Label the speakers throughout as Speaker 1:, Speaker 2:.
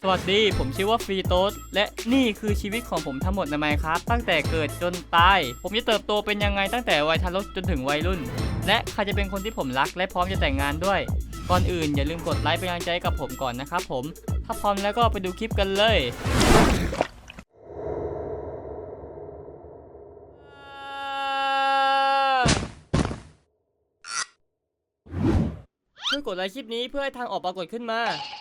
Speaker 1: วัสดีผมชื่อว่าฟรีโต้และนี่คือชีวิตของผมทั้งหมดในไมน์ครับตั้งแต่เกิดจนตายผมจะเติบโตเป็นยังไงตั้งแต่วัยทารกจนถึงวัยรุ่นและใครจะเป็นคนที่ผมรักและพร้อมจะแต่งงานด้วยก่อนอื่นอย่าลืมกดไลค์เป็นกำลังใจกับผมก่อนนะครับผมถ้าพร้อมแล้วก็ไปดูคลิปกันเลยช่วยกดไลค์คลิปนี้เพื่อให้ทางออกปรากฏขึ้นมา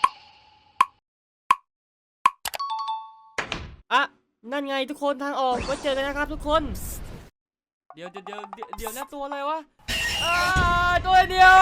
Speaker 1: อ่ะนั่นไงทุกคนทางออกไว้เจอกันนะครับทุกคนเดี๋ยวนะตัวอะไรวะตัวเดียว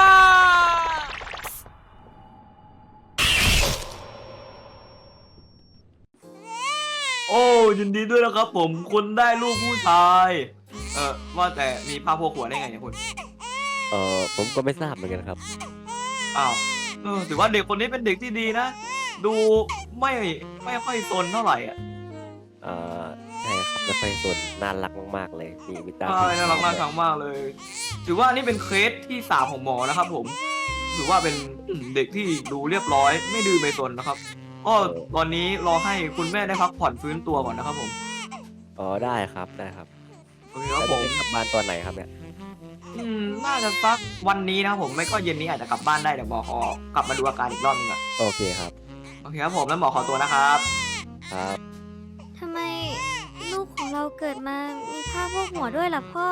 Speaker 2: โอ้ยินดีด้วยนะครับผมคุณได้ลูกผู้ชายว่าแต่มีผ้าโพกหัวได้ไงเนี่ยคุณ
Speaker 3: ผมก็ไม่ทราบเหมือนกันครับ
Speaker 2: อ้าวถือว่าเด็กคนนี้เป็นเด็กที่ดีนะดูไม่ค่อยซนเท่าไหร่อ่ะ
Speaker 3: ใช่ครับไม่ค่อยสนน่ารักมากๆเลยนี่มีตา
Speaker 2: น่ารักน่าชังมากเลยถือว่านี่เป็นเคสที่3ของหมอนะครับผมถือว่าเป็นเด็กที่ดูเรียบร้อยไม่ดื้อไม่ซนนะครับก็ตอนนี้รอให้คุณแม่ได้พักผ่อนฟื้นตัวก่อนนะครับผม
Speaker 3: ได้ครับได้ครับ
Speaker 2: โอเคครับผม
Speaker 3: กลับบ้านตอนไหนครับเนี่ย
Speaker 2: น่าจะสักวันนี้นะครับผมไม่ก็เย็นนี้อาจจะกลับบ้านได้เดี๋ยวหมอขอกลับมาดูอาการอีกรอบนึงอ่ะ
Speaker 3: โอเคครับ
Speaker 2: โอเคครับผมแล้วหมอขอตัวนะครับ
Speaker 3: ครับ
Speaker 4: ทำไมลูกของเราเกิดมามีผ้าโพกหัวด้วยล่ะพ่อ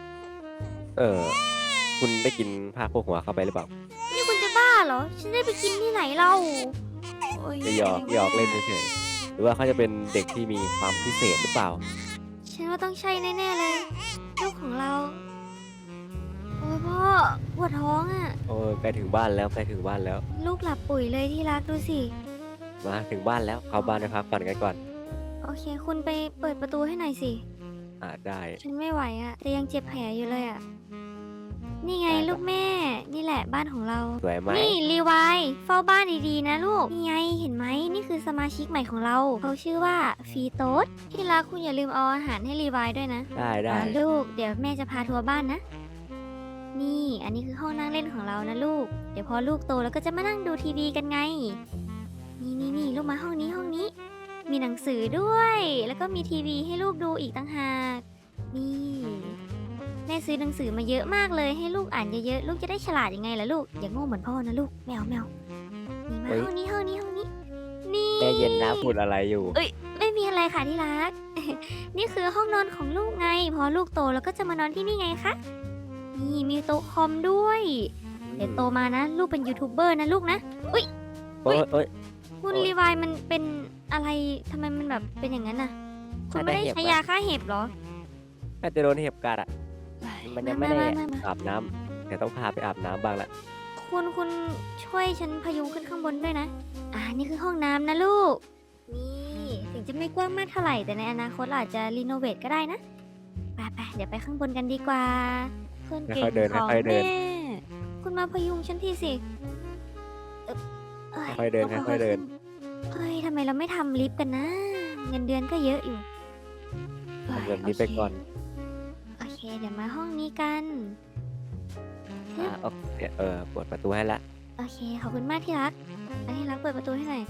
Speaker 3: คุณได้กินผ้าโพกหัวเข้าไปหรือเปล่า
Speaker 4: นี่คุณจะบ้าเหรอฉันได้ไปกินที่ไหนเล่า
Speaker 3: จะหยอกเล่นเฉยๆหรือว่าเขาจะเป็นเด็กที่มีความพิเศษหรือเปล่า
Speaker 4: ฉันว่าต้องใช่แน่ๆเลยลูกของเราโอ้ยพ่อปวดท้องอ่ะ
Speaker 3: ใกล้ถึงบ้านแล้วใกล้ถึงบ้านแล้ว
Speaker 4: ลูกหลับปุ๋ยเลยที่รักดูสิ
Speaker 3: มาถึงบ้านแล้วเข้าบ้านไปพักผ่อนกันก่อน
Speaker 4: โอเคคุณไปเปิดประตูให้หน่อยสิ
Speaker 3: ได้
Speaker 4: ฉันไม่ไหวอ่ะแต่ยังเจ็บแผลอยู่เลยอ่ะนี่ไงลูกแม่นี่แหละบ้านของเรา
Speaker 3: สวยไหม
Speaker 4: นี่รีไวเฝ้าบ้านดีๆนะลูกนี่ไงเห็นไหมนี่คือสมาชิกใหม่ของเราเขาชื่อว่าฟีโต้ที่รักคุณอย่าลืมเอาอาหารให้รีไวด้วยนะ
Speaker 3: ได้
Speaker 4: ลูกเดี๋ยวแม่จะพาทัวร์บ้านนะนี่อันนี้คือห้องนั่งเล่นของเรานะลูกเดี๋ยวพอลูกโตแล้วก็จะมานั่งดูทีวีกันไงนี่ลูกมาห้องนี้มีหนังสือด้วยแล้วก็มีทีวีให้ลูกดูอีกต่างหากนี่แม่ซื้อหนังสือมาเยอะมากเลยให้ลูกอ่านเยอะๆลูกจะได้ฉลาดยังไงล่ะลูกอย่าโง่เหมือนพ่อนะลูกแมวนี่มาห้องนี้นี่
Speaker 3: แม่เย็นนะพูดอะไรอยู่
Speaker 4: ไม่มีอะไรค่ะที่รัก นี่คือห้องนอนของลูกไงพอลูกโตแล้วก็จะมานอนที่นี่ไงคะนี่มีโต๊ะคอมด้วยเดี๋ยวโตมานะลูกเป็นยูทูบเบอร์นะลูกนะอุ้ยคุณรีวายมันเป็นอะไรทำไมมันแบบเป็นอย่างนั้นน่ะคุณไม่ได้ใช้ยาฆ่าเห็บหรอ
Speaker 3: น่าจะโดนเห็บกัดมันยังไม่ได้อาบน้ำแต่ต้องพาไปอาบน้ำบ้างละ
Speaker 4: คุณช่วยฉันพยุงขึ้นข้างบนด้วยนะนี่คือห้องน้ำนะลูกนี่ถึงจะไม่กว้างมากเท่าไหร่แต่ในอนาคตอาจจะรีโนเวทก็ได้นะไปเดี๋ยวไปข้างบนกันดีกว่าคนเก่งของแม่คุณมาพยุงฉันทีสิ
Speaker 3: ค่อยเดินเ
Speaker 4: ฮ้ยทำไมเราไม่ทำลิฟต์กันนะเงินเดือนก็เยอะอยู่
Speaker 3: ทำแบบนี้ไปก่อน
Speaker 4: โอเคเดี๋ยวมาห้องนี้กัน
Speaker 3: เปิดประตูให้ละ
Speaker 4: โอเคขอบคุณมากที่รักที่รักเปิดประตูให้หน่อย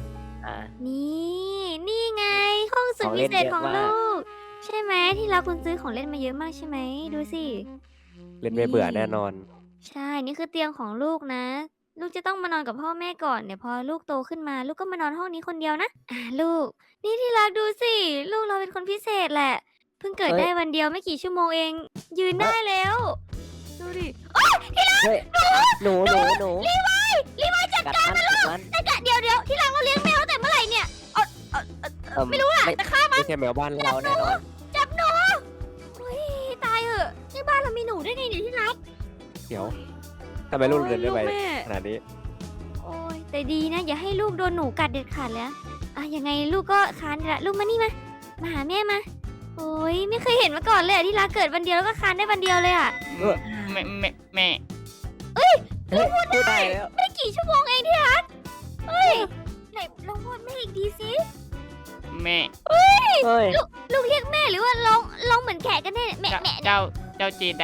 Speaker 4: นี่ไงห้องสุดพิเศษของลูกใช่ไหมที่รักคุณซื้อของเล่นมาเยอะมากใช่ไหมดูสิ
Speaker 3: เล่นไม่เบื่อแน่นอน
Speaker 4: ใช่นี่คือเตียงของลูกนะลูกจะต้องมานอนกับพ่อแม่ก่อนเดี๋ยวพอลูกโตขึ้นมาลูกก็มานอนห้องนี้คนเดียวนะลูกนี่ที่รักดูสิลูกเราเป็นคนพิเศษแหละเพิ่งเกิดได้วันเดียวไม่กี่ชั่วโมงเองยืนได้แล้วดูดิที่รัก
Speaker 3: หนู
Speaker 4: รีไวจัดการนะลูกเดี๋ยวที่รักเราเลี้ยงแมวแต่เมื่อไหร่เนี่ยไม่รู้อะแต่ฆ่ามัน
Speaker 3: ไม่ใช่แมวบ้านเราแน่นอน
Speaker 4: จับหนูตายเหอะที่บ้านเรามีหนูได้ไงเนี่ยที่รัก
Speaker 3: เดี๋ยวทำไมลูกเดินได้ไปขนาดนี้
Speaker 4: โอ้ยแต่ดีนะอย่าให้ลูกโดนหนูกัดเด็ดขาดแล้วยังไงลูกก็คานละลูกมานี่มาหาแม่มาโอ้ยไม่เคยเห็นมาก่อนเลยที่รักเกิดวันเดียวแล้วก็คานได้วันเดียวเลย
Speaker 1: แม่
Speaker 4: ลูกพูดได้แล้วไม่กี่ชั่วโมงเองที่รักไหนลองพูดแม่อีกทีสิ
Speaker 1: แม่
Speaker 4: ลูกเรียกแม่หรือว่าลองเหมือนแขกกันแน่แม่
Speaker 1: เจ้าเจได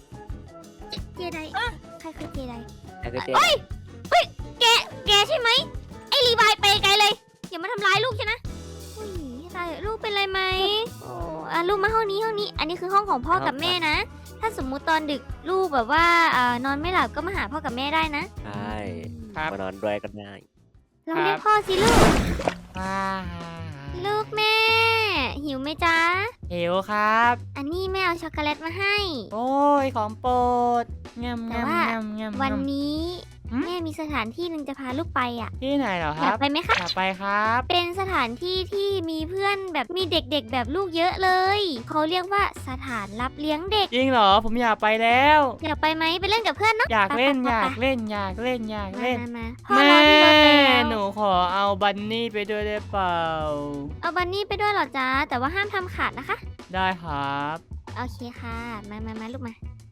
Speaker 4: ใครคือเจได
Speaker 3: เฮ้ย
Speaker 4: แกใช่ไหมไอ้รีไวไปไกลเลยอย่ามาทำร้ายลูกฉันนะอุ้ยตายลูกเป็นไรไหมโอ้ลูกมาห้องนี้ อันนี้คือห้องของพ่อกับแม่นะ ถ้าสมมุติตอนดึกลูกแบบว่านอนไม่หลับก็มาหาพ่อกับแม่ได้นะ
Speaker 3: ใช่
Speaker 1: ครับ
Speaker 3: มานอนด้วยกันได้
Speaker 4: ลองเรียกพ่อสิลูก
Speaker 1: อ่า
Speaker 4: ลูกแม่ หิวไหมจ๊ะ
Speaker 1: หิวครับ
Speaker 4: อันนี้แม่เอาช็อกโกแลตมาให้
Speaker 1: โอ้ยของโปรดงาม
Speaker 4: แต่
Speaker 1: งาม
Speaker 4: ว่า
Speaker 1: งามงาม
Speaker 4: วันนี้
Speaker 1: หืม
Speaker 4: แม่มีสถานที่หนึ่งจะพาลูกไปอ่ะ
Speaker 1: ที่ไหนเหรอค
Speaker 4: อยา
Speaker 1: รั
Speaker 4: ก
Speaker 1: บ
Speaker 4: ไปไหมคะ
Speaker 1: อยากไปครับ
Speaker 4: เป็นสถานที่ที่มีเพื่อนแบบมีเด็กๆแบบลูกเยอะเลย เขาเรียกว่าสถานรับเลี้ยงเด็ก
Speaker 1: จริงเหรอผมอยากไปแล้ว
Speaker 4: อยากไปไหมไปเล่นกับเพื่อนเนาะ
Speaker 1: อยากเล่น
Speaker 4: ไป
Speaker 1: อยาก
Speaker 4: ๆ
Speaker 1: เล่นอยากเล่นอยาก
Speaker 4: ๆ
Speaker 1: เล่น
Speaker 4: มาพ่อ
Speaker 1: แม่
Speaker 4: รอที่รถแล้ว
Speaker 1: หนูขอเอาบันนี่ไปด้วยได้เปล่า
Speaker 4: เอาบันนี่ไปด้วยเหรอจ๊ะแต่ว่าห้ามทำขาดนะคะ
Speaker 1: ได้ครับ
Speaker 4: โอเคค่ะ มาลูกมา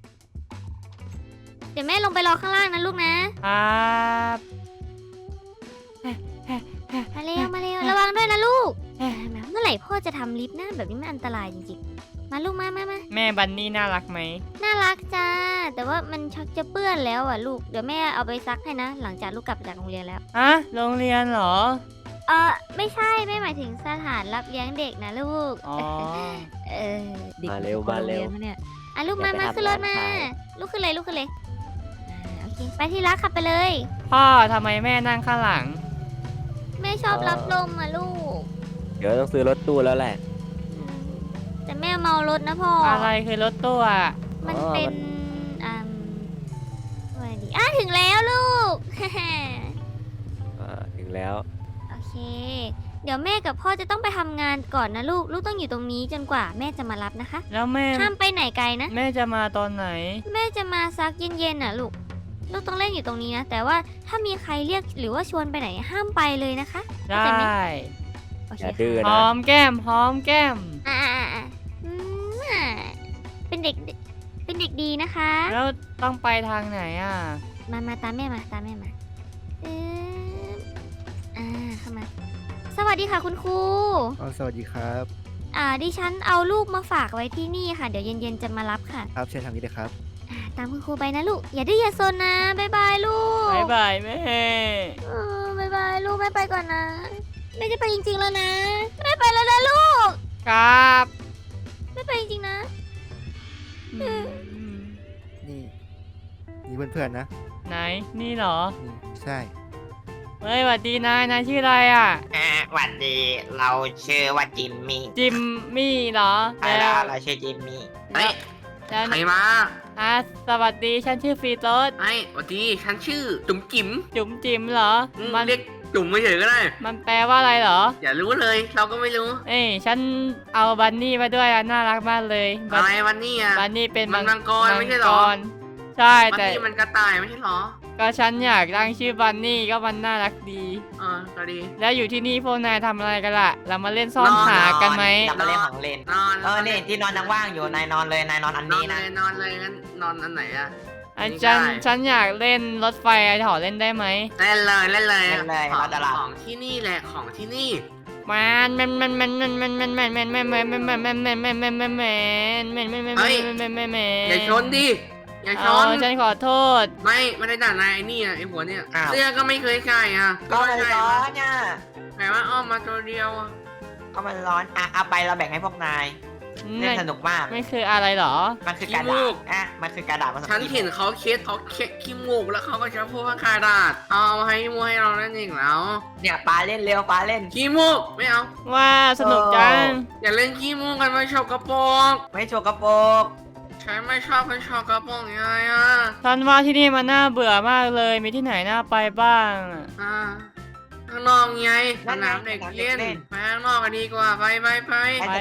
Speaker 4: เดี๋ยวแม่ลงไปรอข้างล่างนะลูกนะ
Speaker 1: ครับ
Speaker 4: มาเร็วระวังด้วยนะลูกมาเมื่อไหร่พ่อจะทำลิฟต์นะแบบนี้มันอันตรายจริงๆ มาลูกมา
Speaker 1: แม่บันนี่น่ารักไหม
Speaker 4: น่ารักจ้า แต่ว่ามันชักจะเปื้อนแล้วอ่ะลูก เดี๋ยวแม่เอาไปซักให้นะ หลังจากลูกกลับจากโรงเรียนแล้ว
Speaker 1: ฮะโรงเรียนเหรอ
Speaker 4: ไม่ใช่ไม่หมายถึงสถานรับเลี้ยงเด็กนะลูก
Speaker 1: อ๋อ
Speaker 4: ด็ก
Speaker 3: มาเร็วมาเร็ว
Speaker 4: เนี่ยลูกมา
Speaker 3: เดี๋ยวไป
Speaker 4: ขึ้นรถ
Speaker 3: ทำ
Speaker 4: มา
Speaker 3: งาน
Speaker 4: ลูกขึ้นเลยโอเค ไปที่รักขับไปเลย
Speaker 1: พ่อทำไมแม่นั่งข้างหลัง
Speaker 4: แม่ชอบรับลมอ่ะลูก
Speaker 3: เดี๋ยวต้องซื้อรถตู้แล้วแหละ
Speaker 4: อืมแต่แม่เมารถนะพ่ออ
Speaker 1: อะไรคือรถตู้อ่ะ
Speaker 4: มัน
Speaker 3: อ๋อ
Speaker 4: เป็นว่าดีถึงแล้วลูก
Speaker 3: ถึงแล้ว
Speaker 4: โอเค เดี๋ยวแม่กับพ่อจะต้องไปทำงานก่อนนะลูก ลูกต้องอยู่ตรงนี้จนกว่าแม่จะมารับนะคะ
Speaker 1: แล้วแม่
Speaker 4: ห้ามไปไหนไกลนะ
Speaker 1: แม่จะมาตอนไหน
Speaker 4: แม่จะมาซักเย็นๆน่ะลูก ลูกต้องเล่นอยู่ตรงนี้นะ แต่ว่าถ้ามีใครเรียกหรือว่าชวนไปไหนห้ามไปเลยนะคะ
Speaker 1: ได
Speaker 4: เข้าใจไหม้ โอเค
Speaker 3: อย่าดื้อ
Speaker 1: ห
Speaker 3: นะ
Speaker 1: อมแก้มหอมแก้ม
Speaker 4: อ่าเป็นเด็กดีนะคะ
Speaker 1: แล้วต้องไปทางไหนอ่ะ
Speaker 4: มาตามแม่มาเข้ามา สวัสดีค่ะคุณครู
Speaker 5: สวัสดีครับ
Speaker 4: ดิฉันเอาลูกมาฝากไว้ที่นี่ค่ะ เดี๋ยวเย็นๆจะมารับค่ะ
Speaker 5: ครับเชิญทางนี้เลยครับ
Speaker 4: ตามคุณครูไปนะลูก อย่าดื้ออย่าซนนะ บ๊ายบายลูก
Speaker 1: บายบายแม่
Speaker 4: บ๊ายบายลูกแม่ไปก่อนนะแม่จะไปจริงๆแล้วนะแม่ไปแล้วนะลูก
Speaker 1: ครับ
Speaker 4: แม่ไปจริงๆนะ
Speaker 1: อืม
Speaker 5: นี่เพื่อนๆนะ
Speaker 1: ไหน นี่เหรอ
Speaker 5: นี่ใช่
Speaker 1: เฮ้ยสวัสดีนาย นายชื่ออะไรอ่ะ
Speaker 6: หวัดดี เราชื่อว่าจิมมี่
Speaker 1: จิมมี่เหรอ
Speaker 6: ใช่แล้วเราชื่อจิมมี่
Speaker 1: เฮ้ยแล้ว
Speaker 7: ใครมา
Speaker 1: สวัสดี ฉันชื่อฟรีโต้
Speaker 7: ไอ้สวัสดี ฉันชื่อจุ๋มจิ๋ม
Speaker 1: จุ๋มจิ๋มเหรอ มัน
Speaker 7: เรียกจุ๋มไม่เฉยก็ได้
Speaker 1: มันแปลว่าอะไรเหรอ
Speaker 7: อย่ารู้เลย เราก็ไม่รู้
Speaker 1: เอ้ยฉันเอาบันนี่มาด้วยอะน่ารักมากเลย
Speaker 7: อะไรวันนี้อ่ะ
Speaker 1: บันนี่เป็น
Speaker 7: มันมังกรไม่ใช่เหรอ
Speaker 1: มังกใช่
Speaker 7: วัน
Speaker 1: แต่
Speaker 7: นี้มันกระต่ายไม่ใช่เหรอ
Speaker 1: ก็ฉันอยากตั้งชื่อบันนี่ก็มันน่ารักดี
Speaker 7: ก็ดี
Speaker 1: แล้วอยู่ที่นี่พวกนายทำอะไรกันล่ะ เรามาเล่นซ่อนหากันไหม
Speaker 6: เรามาเล่นของเล่น
Speaker 7: นอน
Speaker 6: นี่ที่นอนยังว่างอยู่นายนอนเลยนายนอนอัน
Speaker 7: นอ
Speaker 6: นี้
Speaker 7: นเล
Speaker 6: นะ
Speaker 7: ยนอนเลยงั้นนอนอันไหนอ่ะ
Speaker 1: อา
Speaker 7: ไม่
Speaker 1: จารย์
Speaker 7: ได้
Speaker 1: ฉันอยากเล่นรถไฟขอเล่นได้ไหม
Speaker 7: เล่นเลยเล่นเลย
Speaker 6: เล่นเลย
Speaker 7: ของ
Speaker 6: เราจะหลับ
Speaker 7: ของที่นี่แหละของที่นี่ อย่าชนดิอย่าช
Speaker 1: อ๋
Speaker 7: น
Speaker 1: อฉันขอโทษ
Speaker 7: ไม่ได้ด่านายไอ้นี่อ่ะไอ้หัวเนี่ย
Speaker 6: อ้าว
Speaker 7: เสื้อก็ไม่เคยใส่อ่ะ
Speaker 6: ก็มัน
Speaker 7: ใส่
Speaker 6: ร้อนเนี่ย
Speaker 7: แต่ว่าอ้อมมาตัวเดียวอะ
Speaker 6: ก็มันร้อนเอาไปเราแบ่งให้พวกนายเล่นสนุกมาก
Speaker 1: ไม่คืออะไรเหรอ
Speaker 6: มันคือกระดาษมันคือกระดาษภาษา
Speaker 7: ฉันเห็นเขาเช็ดขี้มูกแล้วเขาก็จะพูดว่าคาดาดเอามาให้มูให้เรานั่นเองแล้ว
Speaker 6: เนี่ยปลาเล่นเร็วปลาเล่น
Speaker 7: ขี้มูกไม่เอา
Speaker 1: ว่าสนุกจัง
Speaker 7: อย่าเล่นขี้มูกกันไม่ชอบกระโปรง
Speaker 6: ไม่โชว์กระโปรง
Speaker 7: ฉันไม่ชอบคนชอบกระโปรงยังไงอ่ะ
Speaker 1: ฉันว่าที่นี่มันน่าเบื่อมากเลย มีที่ไหนน่าไปบ้างอะ
Speaker 7: ข้างนอกไงสนามเด็กเล่นไปข้างนอกกันดีกว่าไป
Speaker 1: ไปไป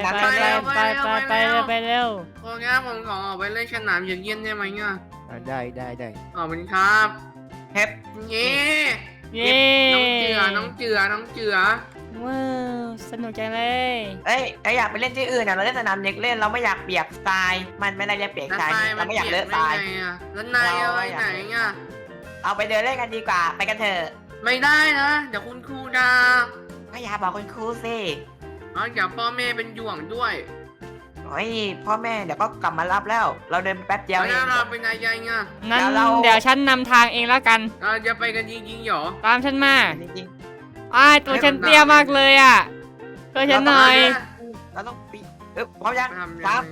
Speaker 1: ไปเร็ว
Speaker 7: โอเคผมขอออกไปเล่นสนามเย็นๆได้ไหมเนี่ย
Speaker 5: ได้
Speaker 7: ขอบคุณครับ
Speaker 6: เฮ็บ
Speaker 7: เย้
Speaker 1: เย้
Speaker 7: น้องเจือ
Speaker 1: ว้าวสนุกจังเลย
Speaker 6: อยากไปเล่นที่อื่นเราเล่นสนามเด็กเล่นเราไม่อยากเปียกทรายมันไม่ได้เรียกเปียกทรายเราไม่อยากเลอะทราย
Speaker 7: แล้วนายเอาไปไหนอ่ะ
Speaker 6: เอาไปเดินเล่นกันดีกว่าไปกันเถอะ
Speaker 7: ไม่ได้นะเดี๋ยวคุณครูด่า
Speaker 6: ก็อย่าบอกคุณครูสิ
Speaker 7: เดี๋ยวพ่อแม่เป็นห่วงด้วย
Speaker 6: โอ้ยพ่อแม่เดี๋ยวก็กลับมารับแล้ว เราเดินแป๊บเดียวเอ
Speaker 7: แล้ว
Speaker 6: ง
Speaker 7: เราเป็นนายยังอ่ะ
Speaker 1: นั้น
Speaker 6: แล้วเรา
Speaker 1: เดี๋ยวฉันนำทางเองแล้วกัน
Speaker 7: เราจะไปกันจริงๆเหรอ
Speaker 1: ตามฉันมา
Speaker 6: จริงๆ
Speaker 1: ตัวฉันเตี้ยมากเลยอ่ะช่วยฉันหน่อย
Speaker 6: เราต้องปีพร้อมยัง
Speaker 7: ทำยังไง
Speaker 6: สาม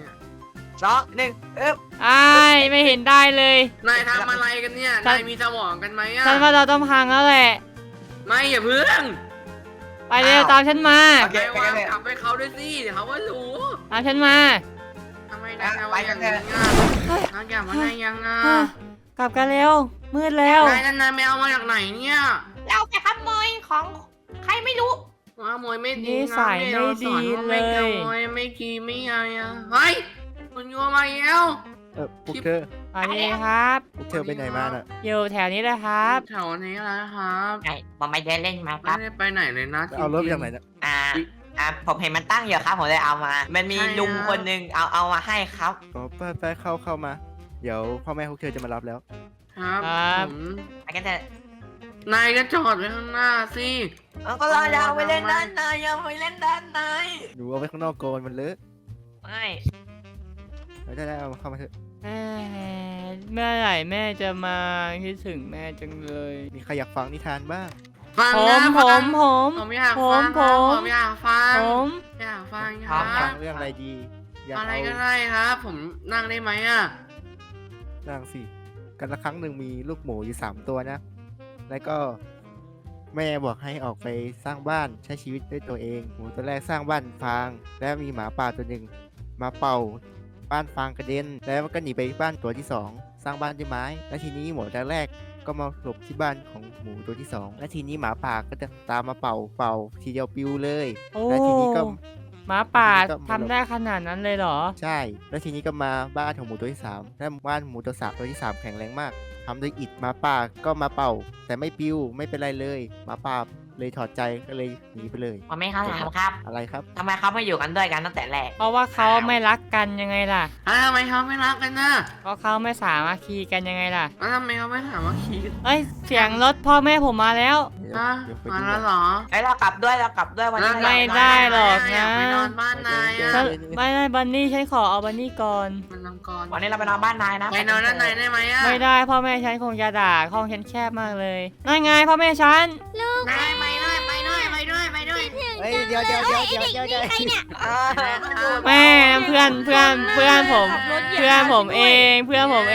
Speaker 6: 2 1
Speaker 1: ไม่เห็นได้เลย
Speaker 7: นายทำอะไรกันเนี่ย
Speaker 1: ฉัน
Speaker 7: นายมีสมองกันไหมอ่ะ
Speaker 1: ฉันว่าเราต้องพังแล้วแหละ
Speaker 7: ไม่อย่าเพิ่ง
Speaker 1: ไปเร็วตามฉันมา
Speaker 7: นายวางกลับไปเขาด้วยสิเดี๋ยวเขาก็รู้
Speaker 1: ตามฉันมา
Speaker 7: ทำไมนายทำอย่างนี้อ่ะนายอย่ามาได้ยังอ่ะ
Speaker 1: กลับกันเร็ว มืดแล้ว
Speaker 7: นายไม่เอามาจากไหนเนี่ย
Speaker 6: เราจะขโมยของใครไม่รู้
Speaker 7: ว่าขโมยไม่ดี
Speaker 1: นิ
Speaker 7: นะ
Speaker 1: สัย
Speaker 7: แเราสอน
Speaker 1: ไม่ดี
Speaker 7: ว่าไม่
Speaker 1: เลย
Speaker 7: ขโมยไม่กีไม่อะไรอ่ะเฮ้ยคุณยัวมาแล้ว
Speaker 5: พวกเธอ
Speaker 1: สวัสดีครับ
Speaker 5: พวกเธอไปไหนมาน่ะ
Speaker 1: อยู่แถวนี้เลยครับ
Speaker 7: แถวนี้แหละครับ
Speaker 6: ไงผมไม่ได้เล่นมาค
Speaker 7: ไม่
Speaker 6: รับ
Speaker 7: ได้ไปไหนเลยนะ
Speaker 5: เอารถไปจากไหนน่ะ
Speaker 6: ผมเห็นมันตั้งอยู่ครับผมเลยเอามา มันมีลุงคนหนึงเอามาให้ครับ
Speaker 5: อ๋อไปเข้ามา เดี๋ยวพ่อแม่พวกเธอจะมารับแล้ว
Speaker 7: ครับ
Speaker 1: ครับ
Speaker 7: ผม
Speaker 6: ไปกันเถอะ
Speaker 7: นายก็จอดไว้ข้างหน้าสิ
Speaker 6: ก็เราอยากไปเล่นด้านในอยากไปเล่นด้านใน
Speaker 5: หนูเอาไว้ข้างนอกโกนมันเลอะ
Speaker 6: ไม่
Speaker 5: ได้เอาเข้ามาเถอะ
Speaker 1: เมื่อไหร่แม่จะมาคิดถึงแม่จังเลย
Speaker 5: มีใครอยากฟังนิทานบ้าง
Speaker 7: ฟัง
Speaker 1: ผ
Speaker 7: นะ
Speaker 1: ม
Speaker 7: ฟัง
Speaker 1: ผม
Speaker 7: ผมอยากฟังครับผมอยากฟัง
Speaker 1: ผม
Speaker 7: อยากฟังค
Speaker 5: ฟั
Speaker 7: รั
Speaker 5: ง
Speaker 7: บ
Speaker 5: เรื่องอะไรดี อยาก
Speaker 7: อะไร
Speaker 5: เอา
Speaker 7: ก็ได้ครับ ผมนั่งได้ไหมอ่ะ
Speaker 5: นั่งสิ กันละครั้งหนึ่งมีลูกหมูอยู่3 ตัวนะ แล้วก็แม่บอกให้ออกไปสร้างบ้านใช้ชีวิตด้วยตัวเอง หมูตัวแรกสร้างบ้านฟาง แล้วมีหมาป่าตัวหนึ่งมาเป่าบ้านฟางกระเด็น แล้วมันก็หนีไปบ้านตัวที่ 2 สร้างบ้านด้วยไม้ แล้วทีนี้หมูตัวแรกก็มาหลบที่บ้านของหมูตัวที่ 2 และทีนี้หมาป่าก็จะตามมาเป่าทีเดียวปิวเลย
Speaker 1: โอ้
Speaker 5: และทีนี้ก็
Speaker 1: หมาป่า
Speaker 5: ทีนี้ก็
Speaker 1: ทำได้ขนาดนั้นเลยเหรอ
Speaker 5: ใช่ แล้วทีนี้ก็มาบ้านของหมูตัวที่ 3 และบ้านหมูตัวที่ 3 แข็งแรงมากทำด้วยอิฐหมาป่าก็มาเป่า แต่ไม่ปิวไม่เป็นไรเลยหมาป่าเลยถอดใจก็เลยหนีไปเลย
Speaker 6: ผมไม่เข้าถามครับ
Speaker 5: อะไรครับ
Speaker 6: ทำไมเขาไม่อยู่กันด้วยกันตั้งแต่แรก
Speaker 1: เพราะว่าเขาไม่รักกันยังไงล่ะ
Speaker 7: แล้วทำไมเขาไม่รักกันนะ
Speaker 1: เพราะเขาไม่สามัคคีกันยังไงล่ะ
Speaker 7: แล้วทำไมเขาไม่ถามว่าขี่
Speaker 1: เอ้ย เสียงรถพ่อแม่ผมมาแล้ว
Speaker 5: เดี๋ยว
Speaker 7: ฮะ
Speaker 5: เดี๋ยวไป
Speaker 7: มา
Speaker 5: ดู
Speaker 7: แล้วเหรอ
Speaker 6: เรากลับด้วยวันนี้
Speaker 1: ไม่ได้หรอกนะ
Speaker 7: อยากไปนอนบ้านนายอ่ะ
Speaker 1: ฉันไม่ได้บันนี่ฉันขอเอาบันนี่ก่อน
Speaker 7: มันนอนก่อน
Speaker 6: วันนี้เราไปนอนบ้านนายนะ
Speaker 7: ไปนอนด้านในได้ไหมอ่ะ
Speaker 1: ไม่ได้พ่อแม่ฉันคงจะด่าห้องฉันแคบมากเลย นั่นไงพ่อแม่ฉัน
Speaker 7: นายไปด้วยไปด้วยไปด้วยไปด้วย
Speaker 5: เฮ้ยเดี๋ยว
Speaker 4: ใครเนี่ย
Speaker 1: แม่เพื่อนผม เพื่อนผมเองเพื่อนผมเอง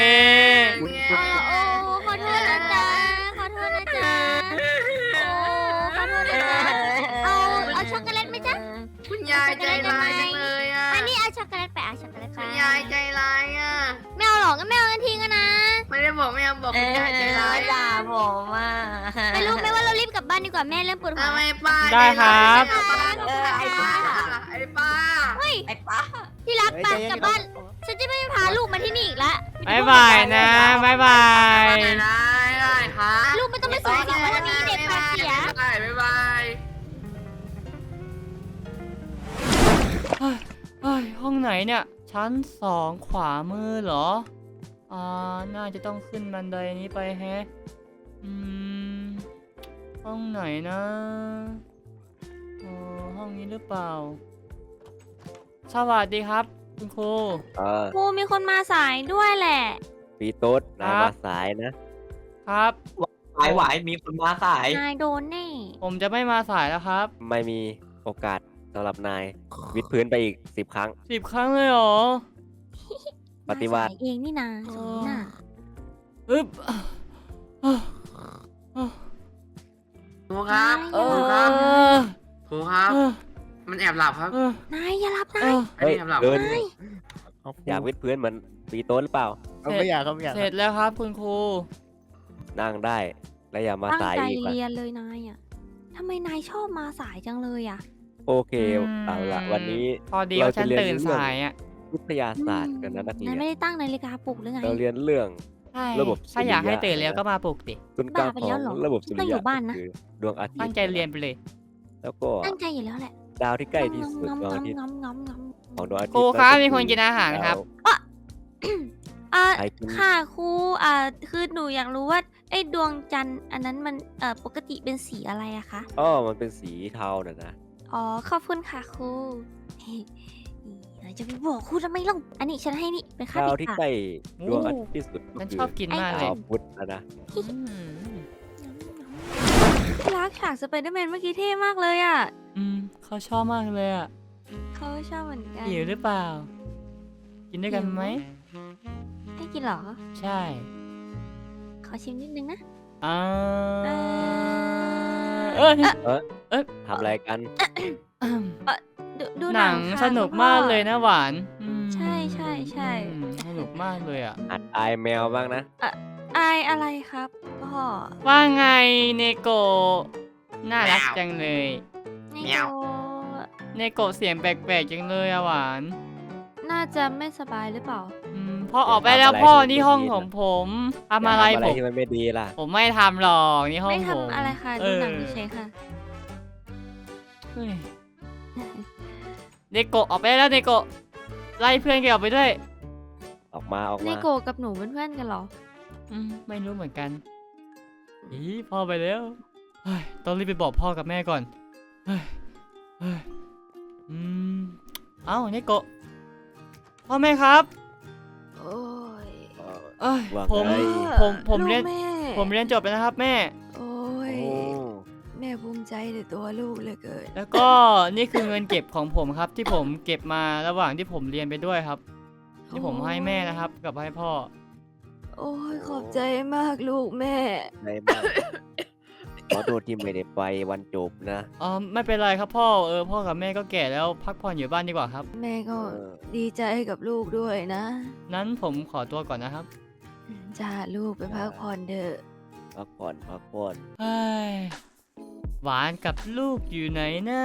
Speaker 4: โอ้ขอโทษนะจ๊ะขอโทษนะจ๊ะโอ้ขอโทษนะจ๊ะเอาช็อกโกแลตไหมจ๊ะ
Speaker 7: คุณยายใจร้ายจังเลยอ่ะ
Speaker 4: อันนี้เอาช็อกโกแลตไปเอาช็อกโกแลตไป
Speaker 7: คุณยายใจร้ายอ่ะ
Speaker 4: ไม่เอาหรอกงั้นไม่เอากันทิ้งกันนะ
Speaker 7: ไม่ได้บอกไม่เอาบอกคุณยายใจร้าย
Speaker 6: ด่าผมอ่ะ
Speaker 4: ไม่รู้ไหมว่าเรารีบกลับบ้านดีกว่าแม่เริ่มปวดหัว
Speaker 7: ทำไมป้า
Speaker 1: ได้ครับ
Speaker 7: ไอ้ป้าไอ้ป้า
Speaker 6: ไอ้ป้า
Speaker 4: ที่รักไปกลับบ้านฉันจะไม่พาลูกมาที่นี่อีกละ
Speaker 1: บายบายนะบายบาย
Speaker 7: ได้ครับ
Speaker 4: ลูกไม่ต้องไปสูงสิงวันนี้เด็กพาเสีย
Speaker 7: บ๊ายบาย
Speaker 1: เฮ้ยห้องไหนเนี่ย ชั้น2ขวามือเหรอ น่าจะต้องขึ้นบันไดนี้ไปแฮะ ห้องไหนนะห้องนี้หรือเปล่า สวัสดีครับคุณครู
Speaker 4: ครูมีคนมาสายด้วยแหละ
Speaker 3: ปีโต๊ดนาย
Speaker 1: ครั
Speaker 3: มา
Speaker 1: บ
Speaker 3: สายนะ
Speaker 1: ครับ
Speaker 2: ไหวมีคนมาสาย
Speaker 4: นายโดนแน่
Speaker 1: ผมจะไม่มาสายแล้วครับ
Speaker 3: ไม่มีโอกาสสำหรับนาย วิดพื้นไปอีก10 ครั้ง
Speaker 1: 10 ครั้งเลยเหรอ
Speaker 3: ปฏิวัติ
Speaker 4: มาสายเองนี่นาสมน่ะ
Speaker 1: อึ๊บ
Speaker 7: ครูครับ
Speaker 1: เอ
Speaker 7: ครู
Speaker 1: อ
Speaker 7: ครับครูครับ มันแอบหลับครับ
Speaker 4: นายอย่ารับนะ
Speaker 7: อันนี้แอบหลับ
Speaker 3: เดิน
Speaker 4: นาย
Speaker 3: อยากวิดพื้นเหมือนปีโต๊ดหรือเปล่า
Speaker 5: เอาไม่อยากครับไม่อยาก
Speaker 1: เสร็จแล้วครับคุณครู
Speaker 3: นั่งได้ และอย่ามา
Speaker 4: ตั้ง
Speaker 3: สาย
Speaker 4: ใจ
Speaker 3: อีกว่ะ
Speaker 4: เรียนเลยนายอ่ะทำไมนายชอบมาสายจังเลยอ่ะ
Speaker 3: โอเคเอาละวันนี้
Speaker 1: พอดีว่าฉันตื่นสายอ่ะ
Speaker 3: วิทยาศาสตร์กันนะนักเรีย
Speaker 4: นาย
Speaker 3: น
Speaker 4: ไม่ได้ตั้งนาฬิกาปลุกหรือไง
Speaker 3: เราเรียนเรื่อง
Speaker 1: ใช่
Speaker 3: ระบบ
Speaker 1: ถ้าอยากให้
Speaker 3: สุริยะ
Speaker 1: ตื่นเร็วก็มาปลุกดิ
Speaker 3: ศูนย์กลาง
Speaker 4: บ้าไป
Speaker 3: ขอ
Speaker 4: แล้ว
Speaker 3: ง
Speaker 4: เหรอ
Speaker 3: ระบบสุริ
Speaker 4: ต้องอยู่
Speaker 3: ยะ
Speaker 4: บ้านนะ
Speaker 3: ก็คือดวงอาทิตย์
Speaker 1: ตั้งใจเรียนไปเลย
Speaker 3: แล้วก็
Speaker 4: ตั้งใจอยู่แล้วแหละ
Speaker 3: ดาวที่ใกล้ที่สุด
Speaker 4: งำ
Speaker 3: ดวงอาทิตย์
Speaker 4: งำงำงำ
Speaker 3: ของดวงอาทิตย์
Speaker 1: ครูครับ
Speaker 3: ก็อ
Speaker 1: มีคนกินอาหารครับ
Speaker 3: ใครกิน
Speaker 4: ค่ะครูคือหนูอยากรู้ว่าไอ้ดวงจันทร์อันนั้นมันปกติเป็นสีอะไรอะคะ
Speaker 3: อ๋อมันเป็นสีเทาน่ะนะ
Speaker 4: อ๋อขอบคุณค่ะครูเราจะไปบอกครูทำไมล่ะอันนี้ฉันให้นี่เป็นค่า
Speaker 3: ดาว
Speaker 4: ติด
Speaker 3: ที่
Speaker 4: ปาก
Speaker 3: ใกล้ดวงอาทิตย์ที่สุดก็
Speaker 1: ฉัน
Speaker 3: คื
Speaker 1: ชอบกินมากเลย
Speaker 3: ดาวพุธนะ
Speaker 1: อืม
Speaker 4: ที่รักฉากสไปเดอร์แมนเมื่อกี้เท่มากเลยอ่ะ
Speaker 1: เขาชอบมากเลยอ่ะ
Speaker 4: เขาชอบเหมือนกัน
Speaker 1: หิวหรือเปล่า กินด้วยกันไหม
Speaker 4: ให้กินเหรอ
Speaker 1: ใช่
Speaker 4: ขอชิมนิดนึงนะ
Speaker 1: อ่า
Speaker 4: เอ่อ
Speaker 3: ทำอะไรกัน
Speaker 4: ดู
Speaker 1: หนัง
Speaker 4: ค่ะ
Speaker 1: สนุก
Speaker 4: คุณพ่อ
Speaker 1: มากเลยนะหวาน
Speaker 4: ใช่ใช่ใช่
Speaker 1: สนุกมากเลยอ่ะ
Speaker 3: หัดอายแมวบ้างนะ
Speaker 4: อายอะไรครับพ่อ
Speaker 1: ว่าไงเนโกะน่ารักจังเลย
Speaker 4: นี่
Speaker 6: แมว
Speaker 4: ก็
Speaker 1: เนโกะเสียงแปลกๆจังเลยอะหวาน
Speaker 4: น่าจะไม่สบายหรือเปล่า
Speaker 1: พ่อออกไปแล้วพ่อนี่ห้องของผมทำอะไร
Speaker 3: อย่า
Speaker 1: ผม
Speaker 3: ที่มันไม่ดีล่ะ
Speaker 1: ผมไม่ทำหรอกนี่ห้อง
Speaker 4: ไม่
Speaker 1: ผม
Speaker 4: ทำอะไรค่ะ ดูหนังเฉยๆค่ะ
Speaker 1: เฮ้ยเนโกะออกไปได้แล้วเนโกะไล่เพื่อนแกออกไปด้วย
Speaker 3: ออกมาออก
Speaker 4: ใน
Speaker 3: มา
Speaker 4: โกกับหนูเป็นเพื่อนกันเหรอ
Speaker 1: ไม่รู้เหมือนกันอีพ่อไปแล้วเฮ้ยต้องรีบไปบอกพ่อกับแม่ก่อนเฮ้ยเฮ้ยเอ้าเนโกะพ่อแม่ครับ
Speaker 4: โอ้ย
Speaker 1: เอ้ย
Speaker 3: ว่า
Speaker 1: ผม
Speaker 3: ไง
Speaker 1: ผมเรียน
Speaker 4: ลูกแม่
Speaker 1: ผมเรียนจบแล้วนะครับแม่
Speaker 4: โอ้ย
Speaker 3: โอ้
Speaker 4: แม่ภูมิใจในตัวลูกเหลือเกิน
Speaker 1: แล้วก็นี่คือเงินเก็บของผมครับ ที่ผมเก็บมาระหว่างที่ผมเรียนไปด้วยครับ ที่ผมให้แม่นะครับ กับให้พ่อ
Speaker 4: โอ้ยขอบใจมากลูกแม่
Speaker 3: ในบ้านขอโทษที่ไม่ได้ไปวันจบนะ
Speaker 1: ไม่เป็นไรครับพ่อพ่อกับแม่ก็แก่แล้วพักผ่อนอยู่บ้านดีกว่าครับ
Speaker 4: แม่ก็
Speaker 3: เออ
Speaker 4: ดีใจกับลูกด้วยนะ
Speaker 1: นั้นผมขอตัวก่อนนะครับ
Speaker 4: จ้าลูกไปพักผ่อนเถอะ
Speaker 3: พักผ่อนพักผ่อน
Speaker 1: เฮ้ยหวานกับลูกอยู่ไหนนะ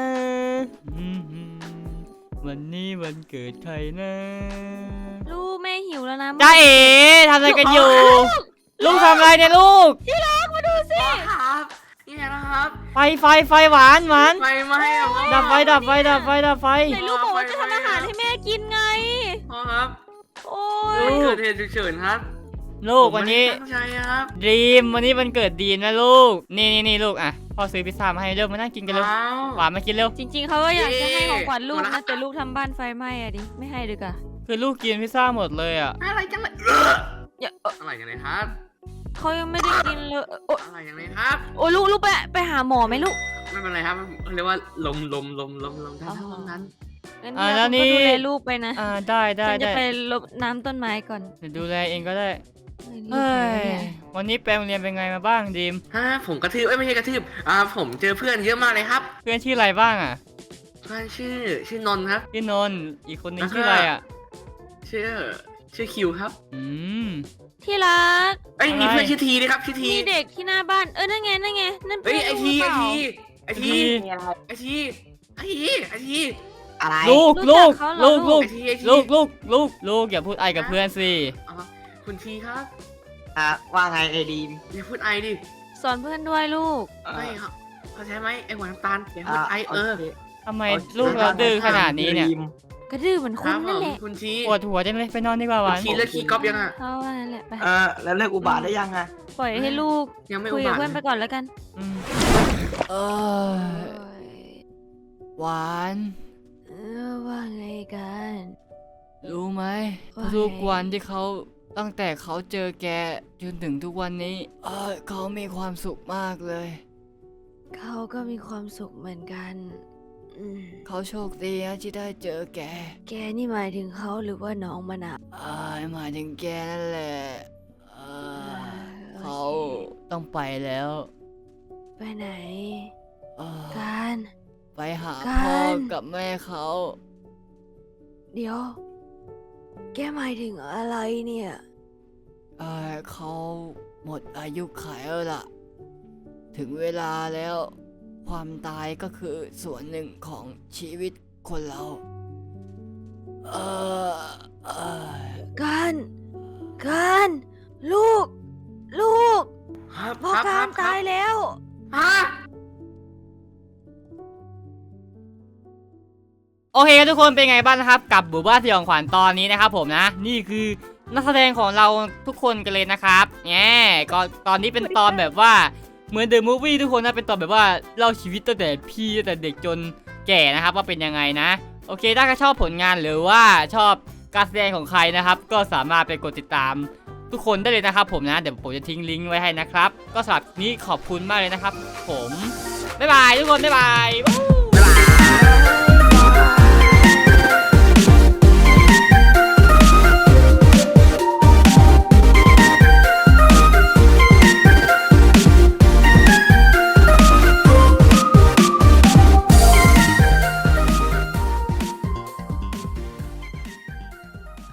Speaker 1: วันนี้วันเกิดใครนะ
Speaker 4: ลูกแม่หิวแล้วนะ
Speaker 1: จ้าเอ๋ทำอะไรกันอยู่ ลูกทำอะไรเนี่ยลูก
Speaker 7: ครับนี่ไงนะครับ
Speaker 1: ไฟหวาน
Speaker 7: ไฟไหม้อะพ่อ
Speaker 1: ดับไฟ
Speaker 4: ไหนลูกบอกว่าจะทำอาหารให้แม่กินไง
Speaker 7: พ่อครับ
Speaker 4: โอ้
Speaker 1: ลู
Speaker 4: ย
Speaker 1: ก
Speaker 7: เกิดเหตุฉุกเฉินครับ
Speaker 1: ลูกวันนี้
Speaker 7: ผมไม่ได้ตั้งใจครับ
Speaker 1: ดีมวันนี้วันเกิดดีมนะลูก นี่ลูกอ่ะพ่อซื้อพิซซ่ามาให้เร็วมานั่งกินกันเร็ว
Speaker 7: ว้าว
Speaker 1: หวานมากินเร็ว
Speaker 4: จริงๆเขาก็อยากจะให้ของขวัญลูก
Speaker 7: มา
Speaker 4: นะ
Speaker 7: ละ
Speaker 4: แต่ลูกทำบ้านไฟไหม้อะดิไม่ให้ดีกว่า
Speaker 1: คือลูกกินพิซซ่าหมดเลยอ่ะ
Speaker 7: อะไรจังเลย
Speaker 4: อย่า
Speaker 7: อะไรกันเลยครับ
Speaker 4: เขายังไม่ได้กินเลยโอ๊ย
Speaker 7: อะไรกันเลยครับ
Speaker 4: โอ้ยลูกไปหาหมอไหมลูก
Speaker 7: ไม่เป็นไรครับเรียกว่าลมท่านนั้น
Speaker 4: งั้น
Speaker 1: แล้ว
Speaker 4: เดี๋ยว
Speaker 1: นี่
Speaker 4: คุณก็ดูแลลูกไปนะ
Speaker 1: ได้
Speaker 4: ฉันจะไปรดน้ำต้นไม้ก่อน
Speaker 1: เดี๋ยวดูแลเองก็ได้
Speaker 4: เฮ้ย
Speaker 1: วันนี้ไปโรงเรียนเป็นไงมาบ้างดีม
Speaker 7: ผมกระทืบไม่ใช่กระทืบผมเจอเพื่อนเยอะมากเลยครับ
Speaker 1: เพื่อนชื่ออะไรบ้างอ่ะ
Speaker 7: เพื่อนชื่อนนท์ครับ
Speaker 1: พี่นนท์อีกคนนึง
Speaker 7: แล้วก็
Speaker 1: ชื่ออะไรอ่ะ
Speaker 7: ชื่อคิวครับ
Speaker 4: ที่รัก
Speaker 7: เอ้ย
Speaker 1: อะไร
Speaker 7: มีเพื่อนชื่อทีด้วยครับชื่อที
Speaker 4: มีเด็กที่หน้าบ้านนั่นไงนั่นเพื่
Speaker 7: เอ้ย
Speaker 4: อน
Speaker 7: ไอ
Speaker 4: ลูก
Speaker 7: ที
Speaker 4: หรือเปล่า
Speaker 7: ไอที
Speaker 6: มีอะไร
Speaker 7: ไอทีไอที
Speaker 6: อะไร
Speaker 1: ลูก
Speaker 4: รู้จักเขาเหรอลูก
Speaker 7: ไอทีไอที
Speaker 1: ลูกอย่าพูดไอกับเพื่อนสิ
Speaker 7: อ๋อคุณทีครับ
Speaker 6: ว่าไงไอดีม
Speaker 7: อย่าพูดไอดิ
Speaker 4: สอนเพื่อนด้วยลูก
Speaker 7: ไม่ครับเข้าใจไหมไอหัวน้ำตาลอย่าพูดไอ
Speaker 6: โค
Speaker 1: ทำไมลูกเราดื้อขนาดนี้เนี่ย
Speaker 6: ดีม
Speaker 4: กระดื้อเหมือน
Speaker 7: ค
Speaker 4: คุ
Speaker 7: รั
Speaker 4: ณ
Speaker 7: บผ
Speaker 4: นั่น
Speaker 7: ม
Speaker 4: แหละ
Speaker 7: คุณที
Speaker 1: ปวดหัวจังเลยไปนอนดีกว่าหวาน
Speaker 7: ทีเลิกขี้ก๊อปยังอ่ะ
Speaker 4: เขาว่านั่นแหละไป
Speaker 6: แล้วเลิกอุบาทได้ยังอะ
Speaker 4: ปล่อยให้ลูก
Speaker 7: ยังไม่
Speaker 4: คุ
Speaker 7: อุ
Speaker 4: ยกับบ
Speaker 7: าท
Speaker 4: เพื่อนไปก่อนแล้วกัน
Speaker 1: อืมหวาน
Speaker 4: ว่าไงกัน
Speaker 1: รู้ไหม
Speaker 4: ว่าไง
Speaker 1: ทุกวันที่เขาตั้งแต่เขาเจอแกจนถึงทุกวันนี้เขามีความสุขมากเลย
Speaker 4: เขาก็มีความสุขเหมือนกัน
Speaker 1: เขาโชคดีนะที่ได้เจอแก
Speaker 4: แกนี่หมายถึงเขาหรือว่าน้องมะนาว
Speaker 1: หมายถึงแกนั่นแหละเขา
Speaker 4: โอเค
Speaker 1: ต้องไปแล้ว
Speaker 4: ไปไหน
Speaker 1: เอ่อ
Speaker 4: การ
Speaker 1: ไปหา
Speaker 4: การ
Speaker 1: พ่อกับแม่เขา
Speaker 4: เดี๋ยว แกหมายถึงอะไรเนี่ย
Speaker 1: เขาหมดอายุขัยแล้วล่ะ ถึงเวลาแล้ว ความตายก็คือส่วนหนึ่งของชีวิตคนเรา
Speaker 4: การลูก
Speaker 7: ครับ
Speaker 4: พ่อ
Speaker 7: ค
Speaker 4: การ
Speaker 7: รับ
Speaker 4: ตายแล้ว
Speaker 7: ฮะ
Speaker 1: โอเคครับทุกคนเป็นไงบ้างนะครับ กับบุบ้าสยองขวัญตอนนี้นะครับผมนะ นี่คือนักแสดงของเราทุกคนกันเลยนะครับแง่ก็ตอนนี้เป็นตอนแบบว่าเหมือนเดอะมูฟวี่ทุกคนนะเป็นตอนแบบว่าเล่าชีวิตตั้งแต่พี่ตั้งแต่เด็กจนแก่นะครับว่าเป็นยังไงนะ โอเคถ้าใครชอบผลงานหรือว่าชอบการแสดงของใครนะครับ ก็สามารถไปกดติดตามทุกคนได้เลยนะครับผมนะเดี๋ยวผมจะทิ้งลิงก์ไว้ให้นะครับก็สำหรับนี้ขอบคุณมากเลยนะครับผมบ๊ายบายทุกคนบ๊ายบาย